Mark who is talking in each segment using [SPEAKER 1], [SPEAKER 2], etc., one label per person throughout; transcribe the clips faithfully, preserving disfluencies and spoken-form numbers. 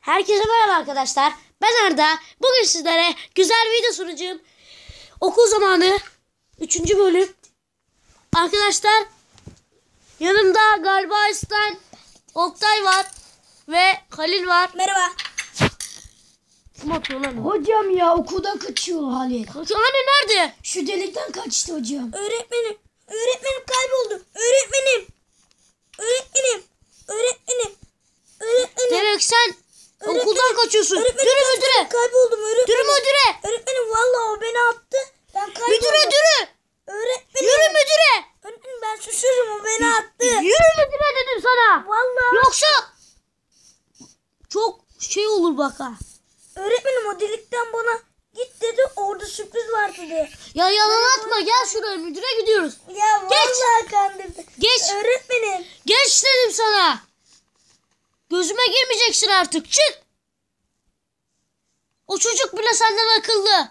[SPEAKER 1] Herkese merhaba arkadaşlar. Ben Arda. Bugün sizlere güzel bir video sunacağım. Okul zamanı üçüncü bölüm. Arkadaşlar yanımda galiba Aslan, Oktay var ve Halil var.
[SPEAKER 2] Merhaba.
[SPEAKER 1] Kim atıyor lan?
[SPEAKER 3] Hocam ya okuldan kaçıyor Halil.
[SPEAKER 1] Hani nerede?
[SPEAKER 3] Şu delikten kaçtı hocam.
[SPEAKER 2] Öğretmenim. Öğretmenim kayboldum. Öğretmenim. Öğretmenim. Öğretmenim. Öğretmenim.
[SPEAKER 1] Demek sen
[SPEAKER 2] Öğretmenim.
[SPEAKER 1] okuldan kaçıyorsun.
[SPEAKER 2] Öğretmenim,
[SPEAKER 1] Dürü müdüre.
[SPEAKER 2] Kayboldum öğretmenim.
[SPEAKER 1] Dürü müdüre.
[SPEAKER 2] Öğretmenim vallahi o beni attı. Ben kayboldum.
[SPEAKER 1] Müdüre dürü.
[SPEAKER 2] Öğretmenim.
[SPEAKER 1] Yürü müdüre.
[SPEAKER 2] Öğretmenim ben susuyorum o beni attı.
[SPEAKER 1] Yürü müdüre dedim sana.
[SPEAKER 2] Vallahi.
[SPEAKER 1] Yoksa çok şey olur bak ha.
[SPEAKER 2] Öğretmenim o delikten bana git dedi. Orada sürpriz var dedi.
[SPEAKER 1] Ya yalan atma, gel şuraya, müdüre gidiyoruz.
[SPEAKER 2] Ya vallahi kandırdı.
[SPEAKER 1] Geç.
[SPEAKER 2] Öğretmenim.
[SPEAKER 1] Geç dedim sana. Gözüme girmeyeceksin artık, çık. O çocuk bile senden akıllı.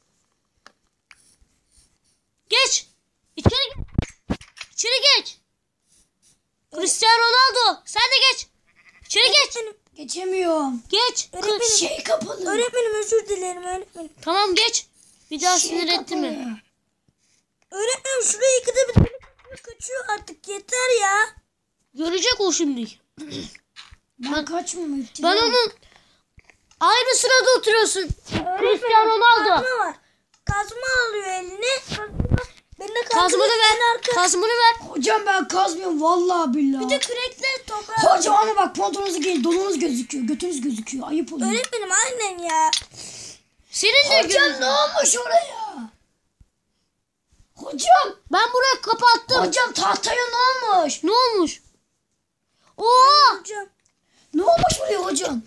[SPEAKER 1] Geç. İçeri geç. İçeri geç. Cristiano Ronaldo sen de geç. İçeri geç.
[SPEAKER 3] Geçemiyorum.
[SPEAKER 1] Geç.
[SPEAKER 2] Öğretmenim.
[SPEAKER 1] Kız.
[SPEAKER 3] Şey kapalı.
[SPEAKER 2] Öğretmenim özür dilerim öğretmenim.
[SPEAKER 1] Tamam geç. Bir daha
[SPEAKER 3] Şey
[SPEAKER 1] sinir etti mi?
[SPEAKER 3] kapalı.
[SPEAKER 2] Öğretmenim şuraya ikide bir delik kaçıyor artık yeter ya.
[SPEAKER 1] Görecek o şimdi.
[SPEAKER 3] Ben kaçmıyorum.
[SPEAKER 1] Ben onun aynı sırada oturuyorsun. Cristiano Ronaldo.
[SPEAKER 2] Kazma var. Kazma alıyor eline. Kazma. Ben de
[SPEAKER 1] Kazmanı ver. Kazmanı ver.
[SPEAKER 3] Hocam ben kazmıyorum vallahi billahi.
[SPEAKER 2] Bir de kürekle toprağı.
[SPEAKER 3] Hocam ama bak pantolonunuzu giyin, donunuz gözüküyor, götünüz gözüküyor. Ayıp oluyor.
[SPEAKER 2] Öğretmenim aynen ya.
[SPEAKER 1] Senin de
[SPEAKER 3] Hocam
[SPEAKER 1] gözün.
[SPEAKER 3] ne olmuş oraya? Hocam.
[SPEAKER 1] Ben burayı kapattım.
[SPEAKER 3] Hocam tahtaya ne olmuş?
[SPEAKER 1] Ne olmuş? Oha!
[SPEAKER 2] Hocam.
[SPEAKER 3] Ne olmuş buraya hocam?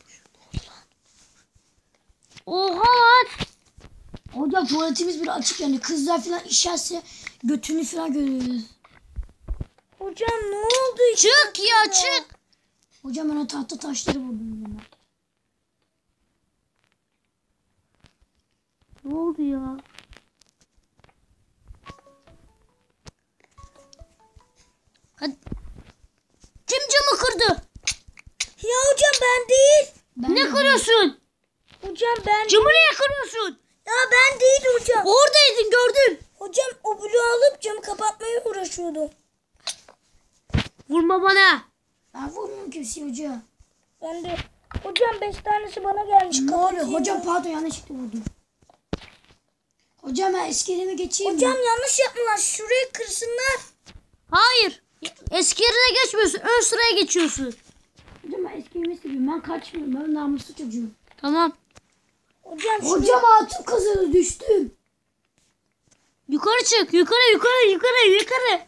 [SPEAKER 1] Oha lan!
[SPEAKER 3] Hocam tuvaletimiz bile açık yani kızlar falan işerse götünü falan görüyoruz.
[SPEAKER 2] Hocam ne oldu?
[SPEAKER 1] Çık ya çık.
[SPEAKER 3] Hocam ben o tahta taşları buldum. Ben.
[SPEAKER 1] Ne oldu ya? Hadi. Kim camı kırdı?
[SPEAKER 2] Ya hocam ben değil.
[SPEAKER 3] Ben
[SPEAKER 1] Ne kırıyorsun?
[SPEAKER 2] Hocam ben.
[SPEAKER 1] Camı niye kırıyorsun?
[SPEAKER 2] Ya ben değil hocam.
[SPEAKER 1] Oradaydın, gördüm.
[SPEAKER 2] Hocam o bloğu alıp camı kapatmaya uğraşıyordum.
[SPEAKER 1] Vurma bana.
[SPEAKER 3] Ben vurmuyorum kimseye hocam.
[SPEAKER 2] Ben de. Hocam beş tanesi bana gelmiş.
[SPEAKER 3] Ne
[SPEAKER 2] kapatayım
[SPEAKER 3] oluyor? Hocam
[SPEAKER 2] mı?
[SPEAKER 3] pardon yanlışlıkla vurdum. Hocam ben eski yerime geçeyim
[SPEAKER 2] Hocam
[SPEAKER 3] mi?
[SPEAKER 2] yanlış yaptılar. Şurayı kırsınlar.
[SPEAKER 1] Hayır. Eski yerine geçmiyorsun. Ön sıraya geçiyorsun.
[SPEAKER 3] Hocam ben eski yerimi seviyorum. Ben kaçmıyorum. Ben namuslu çocuğum.
[SPEAKER 1] Tamam.
[SPEAKER 2] Hocam,
[SPEAKER 3] Hocam altın kazanı düştüm.
[SPEAKER 1] Yukarı çık. Yukarı yukarı yukarı yukarı.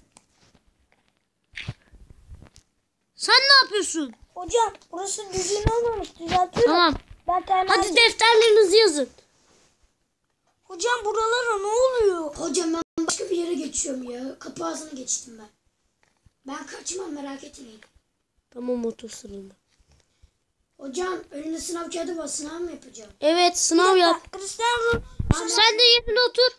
[SPEAKER 1] Sen ne yapıyorsun?
[SPEAKER 2] Hocam burası düzgün olmamış. Düzeltiyorum.
[SPEAKER 1] Tamam.
[SPEAKER 2] Ben tane
[SPEAKER 1] Hadi defterlerinizi yazın.
[SPEAKER 2] Hocam buralara ne oluyor?
[SPEAKER 3] Hocam ben başka bir yere geçiyorum ya. Kapı ağzını geçtim ben. Ben kaçmam merak etmeyin.
[SPEAKER 1] Tamam, otur sıranda.
[SPEAKER 3] Hocam önünde sınav kağıdı var. Sınav mı yapacağım?
[SPEAKER 1] Evet, sınav yap.
[SPEAKER 2] Cristiano Ronaldo.
[SPEAKER 1] Sen de yerine otur.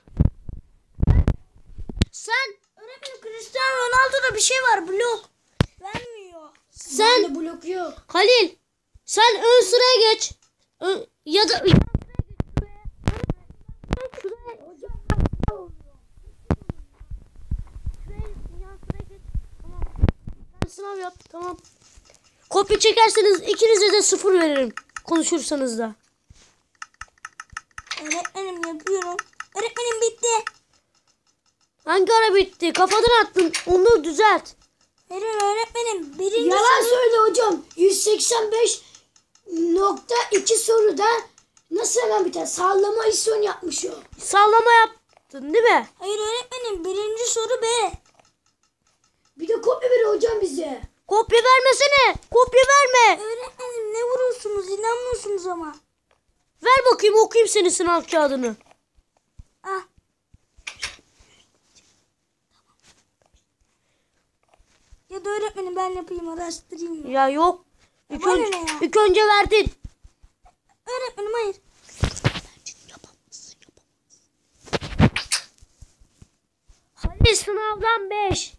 [SPEAKER 1] Sen
[SPEAKER 2] Öğretmenim Cristiano Ronaldo'da bir şey var. Blok. Vermiyor.
[SPEAKER 1] sen
[SPEAKER 3] Bende blok yok.
[SPEAKER 1] Halil, sen ön sıraya geç. Ö- ya da Sen sınav yap, tamam. Kopya çekerseniz ikinize de sıfır veririm. Konuşursanız da.
[SPEAKER 2] Öğretmenim yapıyorum. Öğretmenim bitti.
[SPEAKER 1] Hangi ara bitti? Kafadan attın. Onu düzelt.
[SPEAKER 2] Hayır öğretmenim. Birinci
[SPEAKER 3] Yalan
[SPEAKER 2] soru-
[SPEAKER 3] söyle hocam. yüz seksen beş nokta iki soruda nasıl hemen biter? Sallama isyon yapmış o.
[SPEAKER 1] Sallama yaptın değil mi?
[SPEAKER 2] Hayır öğretmenim. Birinci soru B.
[SPEAKER 3] Bir de kopya ver hocam bize.
[SPEAKER 1] Kopya vermesene. Kopya verme.
[SPEAKER 2] Öğretmenim ne vuruyorsunuz? İnanmıyorsunuz ama.
[SPEAKER 1] Ver bakayım, okuyayım senin sınav kağıdını.
[SPEAKER 2] Ah. Ya da öğretmenim ben yapayım araştırayım. Ya.
[SPEAKER 1] Ya yok. İlk,
[SPEAKER 2] Bana
[SPEAKER 1] ön-
[SPEAKER 2] ne ya?
[SPEAKER 1] ilk önce verdin.
[SPEAKER 2] Öğretmenim hayır.
[SPEAKER 1] Halil sınavdan beş.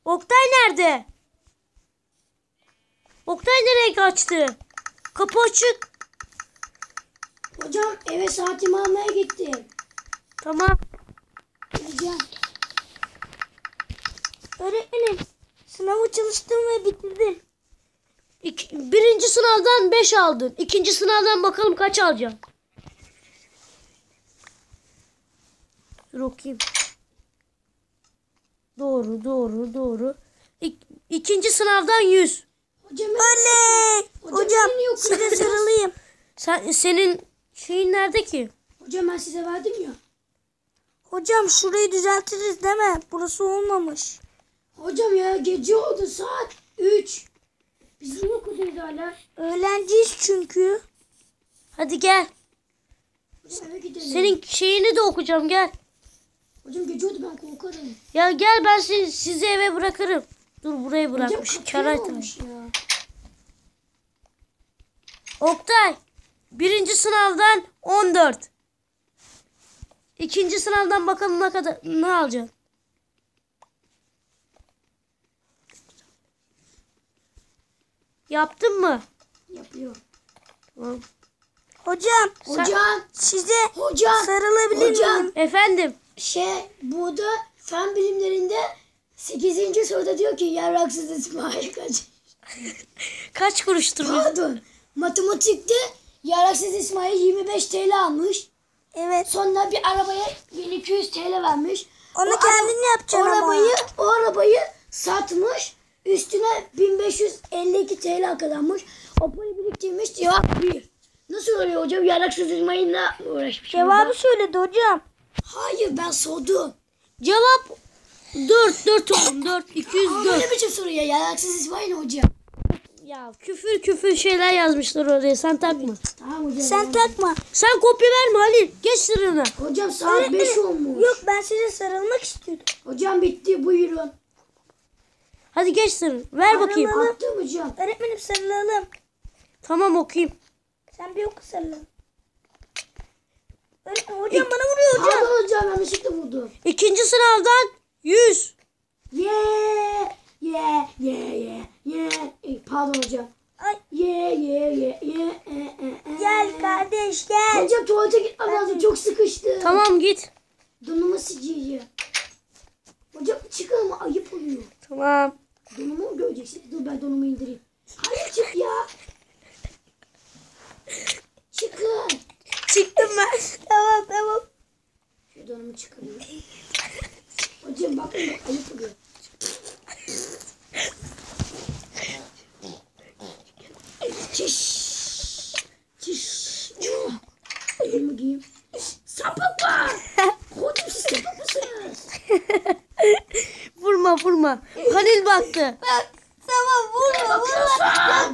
[SPEAKER 1] Oktay nerede? Oktay nereye kaçtı? Kapı açık.
[SPEAKER 3] Hocam eve saatimi almaya gittim.
[SPEAKER 1] Tamam.
[SPEAKER 3] Hocam.
[SPEAKER 2] Öğretmenim sınavı çalıştım ve bitirdim.
[SPEAKER 1] İki, birinci sınavdan beş aldın. İkinci sınavdan bakalım kaç alacaksın. Dur okuyayım. Doğru doğru doğru. İk, ikinci sınavdan yüz.
[SPEAKER 3] Hocam
[SPEAKER 2] Oley!
[SPEAKER 3] Hocam,
[SPEAKER 2] Hocam
[SPEAKER 3] beni yok
[SPEAKER 2] size
[SPEAKER 3] kırdınız.
[SPEAKER 2] sarılayım.
[SPEAKER 1] Sen, senin şeyin nerede ki?
[SPEAKER 3] Hocam ben size verdim ya.
[SPEAKER 2] Hocam şurayı düzeltiriz değil mi? Burası olmamış.
[SPEAKER 3] Hocam ya gece oldu saat üç. Biz niye okuyoruz hala?
[SPEAKER 2] Öğlenciyiz çünkü.
[SPEAKER 1] Hadi gel.
[SPEAKER 3] Hocam eve gidelim.
[SPEAKER 1] Senin şeyini de okuyacağım gel.
[SPEAKER 3] Hocam gece oldu ben korkarım.
[SPEAKER 1] Ya gel ben sizi, sizi eve bırakırım. Dur burayı
[SPEAKER 3] Hocam
[SPEAKER 1] bırakmış.
[SPEAKER 3] kapıya
[SPEAKER 1] Karay
[SPEAKER 3] ne olmuş ya?
[SPEAKER 1] Oktay. Birinci sınavdan on dört. İkinci sınavdan bakalım ne kadar ne alacaksın. Yaptın mı?
[SPEAKER 3] Yapıyor.
[SPEAKER 1] Tamam.
[SPEAKER 2] Hocam
[SPEAKER 1] Sen-
[SPEAKER 3] Hocam.
[SPEAKER 2] size
[SPEAKER 3] Hocam.
[SPEAKER 2] sarılabilir
[SPEAKER 3] Hocam.
[SPEAKER 2] miyim?
[SPEAKER 1] Efendim.
[SPEAKER 3] Şey burada fen bilimlerinde sekizinci soruda diyor ki yarraksız İsmail kaç?
[SPEAKER 1] Kaç kuruştur bu?
[SPEAKER 3] Pardon. Matematikte yarraksız İsmail yirmi beş T L almış.
[SPEAKER 2] Evet.
[SPEAKER 3] Sonra bir arabaya bin iki yüz T L vermiş.
[SPEAKER 2] Onu
[SPEAKER 3] O
[SPEAKER 2] kendin
[SPEAKER 3] ara-
[SPEAKER 2] yapacaksın
[SPEAKER 3] o
[SPEAKER 2] ama.
[SPEAKER 3] arabayı, O arabayı satmış. Üstüne bin beş yüz elli iki T L kazanmış. O parayı biriktirmiş. Cevap bir. Nasıl oluyor hocam? Yarraksız İsmail'le uğraşmış.
[SPEAKER 2] Cevabı söyledi hocam.
[SPEAKER 3] Hayır ben sordum.
[SPEAKER 1] Cevap dört. dört oğlum. dört. iki yüz
[SPEAKER 3] Ama
[SPEAKER 1] dört.
[SPEAKER 3] ne biçim soru ya? Yarraksız İsmail hocam.
[SPEAKER 1] Ya küfür küfür şeyler yazmışlar oraya. Sen takma.
[SPEAKER 3] Tamam hocam.
[SPEAKER 2] Sen
[SPEAKER 3] tamam.
[SPEAKER 2] takma.
[SPEAKER 1] Sen kopya verme Halil. Geç sırrına.
[SPEAKER 3] Hocam saat beş olmuş.
[SPEAKER 2] Yok ben size sarılmak istiyordum.
[SPEAKER 3] Hocam bitti buyurun.
[SPEAKER 1] Hadi geç sırrını. Ver bakayım.
[SPEAKER 2] Sarılalım.
[SPEAKER 3] Attım hocam.
[SPEAKER 2] Öğretmenim sarılalım.
[SPEAKER 1] Tamam okuyayım.
[SPEAKER 2] Sen bir oku sarılalım. Öğretmenim hocam bana vuruyor hocam.
[SPEAKER 3] Pardon hocam yanlışlıkla vurdum.
[SPEAKER 1] İkinci sınavdan yüz.
[SPEAKER 3] Ye ye ye ye ye. E, Pardon hocam.
[SPEAKER 2] Ay.
[SPEAKER 3] Ye ye ye ye. E, e, e.
[SPEAKER 2] Gel kardeş gel.
[SPEAKER 3] Hocam tuvalete gitmem lazım. Çok sıkıştı.
[SPEAKER 1] Tamam git.
[SPEAKER 3] Donumu sıcıyı. Hocam çıkın ama ayıp oluyor.
[SPEAKER 1] Tamam.
[SPEAKER 3] Donumu mu göreceksiniz? Dur ben donumu indireyim. Hayır çık ya. Çıkın.
[SPEAKER 2] Çıktım ben. Tamam tamam.
[SPEAKER 3] Şu donumu çıkarayım. Hocam bakın ayıp oluyor. Çiş. Çiş. Oh. Elimi giyeyim. Sapık var. Hocam siz sapık mısınız?
[SPEAKER 1] Vurma vurma. Halil baktı.
[SPEAKER 2] Bak tamam vurma vurma.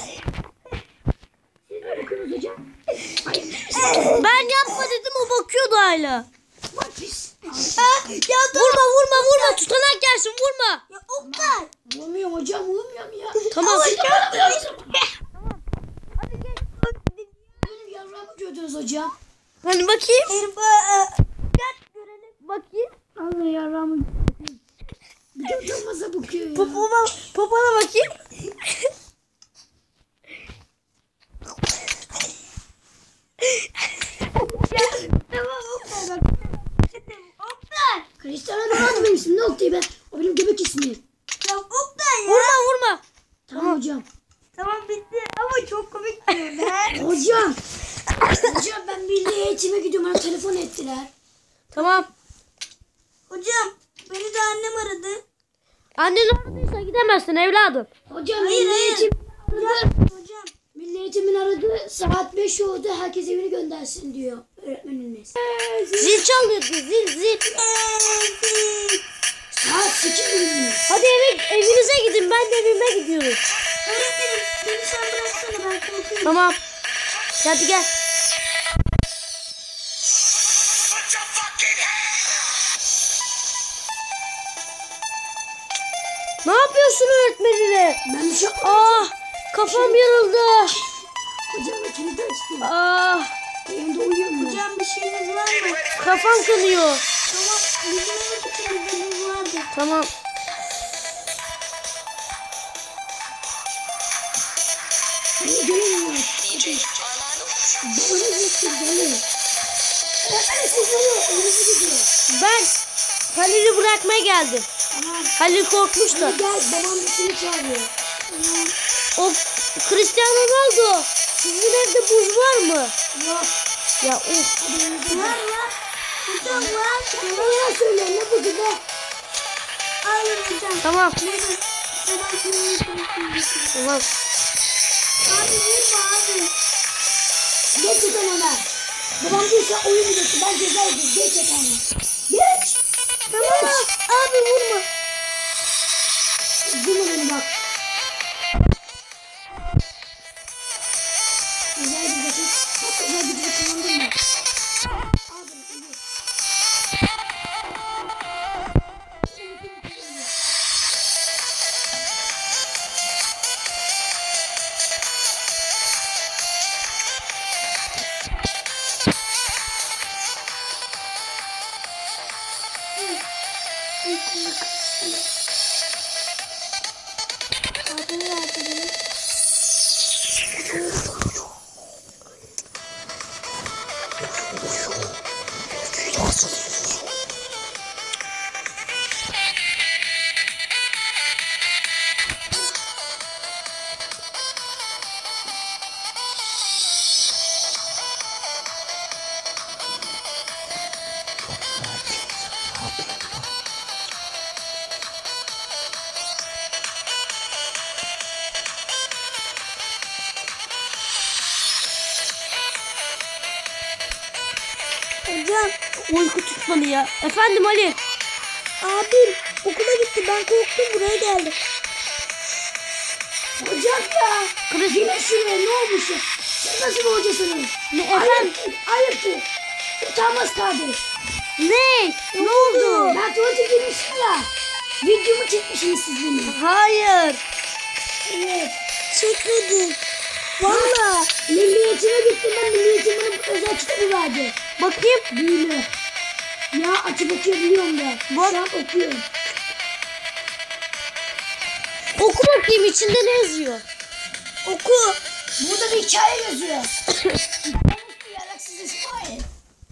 [SPEAKER 3] Siz ne bakıyorsunuz hocam? Hayır.
[SPEAKER 1] Ben yapma dedim o bakıyordu hala.
[SPEAKER 3] Bak pis.
[SPEAKER 2] Ah, ya dur.
[SPEAKER 1] Vurma vurma vurma. Tutanak gelsin vurma.
[SPEAKER 2] Ya Oktay.
[SPEAKER 3] Vurmuyorum hocam vurmuyorum ya.
[SPEAKER 1] Tamam.
[SPEAKER 3] Benim yavrağımı gördünüz hocam.
[SPEAKER 1] Hani bakayım.
[SPEAKER 2] Irba. Gel görelim.
[SPEAKER 1] Bakayım.
[SPEAKER 3] Allah yavrağımı. Bir de utanmasa bakıyor ya.
[SPEAKER 1] Popoma, popona bakayım.
[SPEAKER 2] Tamam Oktay bak. Oktay.
[SPEAKER 3] Cristiano Ronaldo benim ismim. Ne Oktay ben? O benim göbek ismim.
[SPEAKER 2] Ya Oktay ya.
[SPEAKER 1] Vurma vurma.
[SPEAKER 3] Tamam hocam.
[SPEAKER 2] Tamam bitti ama çok komik diyor be.
[SPEAKER 3] Hocam. Hocam ben milli eğitime gidiyorum. Bana telefon ettiler.
[SPEAKER 1] Tamam.
[SPEAKER 2] Hocam beni de annem aradı.
[SPEAKER 1] Annen aradıysa gidemezsin evladım.
[SPEAKER 3] Hocam
[SPEAKER 2] Hayır,
[SPEAKER 3] milli
[SPEAKER 2] hayır.
[SPEAKER 3] eğitim aradı.
[SPEAKER 2] Hocam.
[SPEAKER 3] Milli eğitimin aradı. Saat beş oldu. Herkes evini göndersin diyor öğretmenimiz.
[SPEAKER 1] Zil çalıyor zil zil.
[SPEAKER 3] Saat sekiz olmuş.
[SPEAKER 1] Hadi eve evinize gidin ben de evime gidiyorum.
[SPEAKER 2] Öğretmenim beni sen bıraksana ben korkuyorum.
[SPEAKER 1] Tamam. Hadi gel. Ne yapıyorsun öğretmenine?
[SPEAKER 3] Ben bir şey yapmadım.
[SPEAKER 1] Ah kafam yarıldı.
[SPEAKER 3] Hocam ben kilidi açtım.
[SPEAKER 1] Ah
[SPEAKER 3] Evimde uyuyorum ben.
[SPEAKER 2] Hocam bir şeyiniz var mı?
[SPEAKER 1] kafam kanıyor.
[SPEAKER 2] Tamam bizim eve gittiğimizde buz vardı.
[SPEAKER 1] Tamam. Ben Halil'i bırakmaya geldim.
[SPEAKER 3] Tamam.
[SPEAKER 1] Halil korkmuş da.
[SPEAKER 3] Hadi gel babam seni çağırıyor.
[SPEAKER 1] O Cristiano Ronaldo. Sizin evde buz var mı?
[SPEAKER 3] Yok.
[SPEAKER 1] Ya of.
[SPEAKER 3] Var var. Burada var. Bana söyle ne bu gibi? Al hocam.
[SPEAKER 1] Tamam.
[SPEAKER 3] Tamam.
[SPEAKER 1] Tamam.
[SPEAKER 3] Abi vurma abi. Geç yatan ona. Babam diyorsa oyun videosu. Ben ceza edeyim. Geç yatağına. Geç. Tamam.
[SPEAKER 2] Abi vurma.
[SPEAKER 3] Vurma beni bak. Güzel bir bakın. Bak güzel bir bakın. Kullandın mı? Al bunu. iyi.
[SPEAKER 2] Hocam.
[SPEAKER 1] Uyku tutmadı ya. Efendim Ali.
[SPEAKER 2] Abim okula gitti. Ben korktum buraya geldim.
[SPEAKER 3] Hocam ya. Yine şuraya ne olmuş ya? Siz nasıl bir hocasınız?
[SPEAKER 1] Ne efendim?
[SPEAKER 3] Ayıptır. Ayıptır. Utanmaz kardeş.
[SPEAKER 1] Ne? Ne oldu?
[SPEAKER 3] Ben tuvalete girmişim ya. Videomu çekmişsiniz siz benim.
[SPEAKER 1] Hayır.
[SPEAKER 3] Evet.
[SPEAKER 2] Çekmedim. Valla.
[SPEAKER 3] Milliyetime gittim ben. Milliyetim bana özel kitabı verdi.
[SPEAKER 1] Bakayım.
[SPEAKER 3] Büyülü. Ya açıp okuyabiliyorum da.
[SPEAKER 1] Bak.
[SPEAKER 3] Şu an okuyorum.
[SPEAKER 1] Oku bakayım içinde ne yazıyor?
[SPEAKER 3] Oku. Burada bir hikaye yazıyor. Yaraksız İsmail.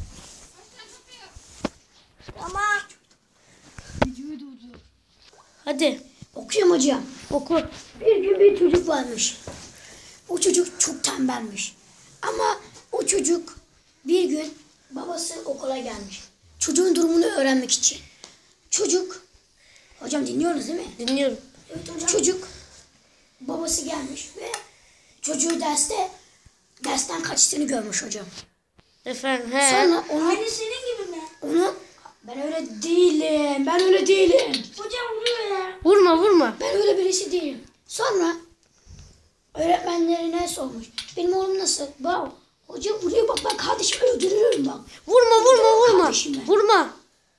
[SPEAKER 2] Tamam.
[SPEAKER 3] Videoyu durdur.
[SPEAKER 1] Hadi
[SPEAKER 3] Okuyorum hocam.
[SPEAKER 1] oku.
[SPEAKER 3] Bir gün bir çocuk varmış. O çocuk çok tembelmiş. Ama o çocuk bir gün babası okula gelmiş. Çocuğun durumunu öğrenmek için. Çocuk, hocam dinliyorsunuz değil mi?
[SPEAKER 1] Dinliyorum.
[SPEAKER 3] Evet hocam. Çocuk, babası gelmiş ve çocuğu derste, dersten kaçtığını görmüş hocam.
[SPEAKER 1] Efendim he.
[SPEAKER 3] Sonra onu,
[SPEAKER 2] Aynı senin gibi mi?
[SPEAKER 3] onu, ben öyle değilim, ben öyle değilim.
[SPEAKER 2] Hocam vuruyor ya.
[SPEAKER 1] Vurma vurma.
[SPEAKER 3] Ben öyle birisi değilim. Sonra öğretmenlerine sormuş. Benim oğlum nasıl? Bak hoca vuruyor bak ben kardeşimi öldürürüm bak.
[SPEAKER 1] Vurma vurma vurma.
[SPEAKER 3] Kardeşime.
[SPEAKER 1] Vurma.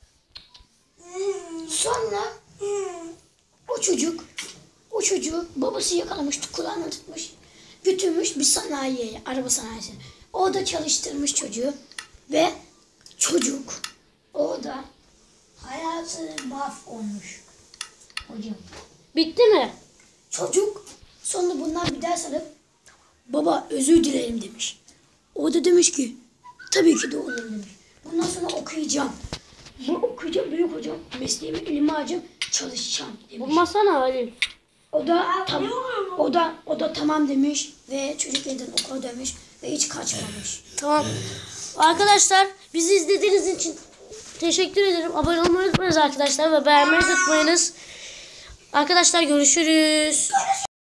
[SPEAKER 3] Sonra o çocuk o çocuğu babası yakalamış kulağına tutmuş. Götürmüş bir sanayiye, araba sanayisine. Orada çalıştırmış çocuğu ve çocuk orada hayatı mahvolmuş hocam.
[SPEAKER 1] Bitti mi?
[SPEAKER 3] Çocuk sonra bundan bir ders alıp baba özür dilerim demiş. O da demiş ki tabii ki de olur demiş. Bundan sonra okuyacağım. Bu okuyacağım büyük hocam. Mesleğimi elime alacağım çalışacağım demiş.
[SPEAKER 1] Vurmasana Halil.
[SPEAKER 3] O da tam, o da o da tamam demiş ve çocuk yeniden okula dönmüş ve hiç kaçmamış.
[SPEAKER 1] Tamam. Arkadaşlar bizi izlediğiniz için teşekkür ederim. Abone olmayı unutmayınız arkadaşlar ve beğenmeyi unutmayınız. Arkadaşlar görüşürüz.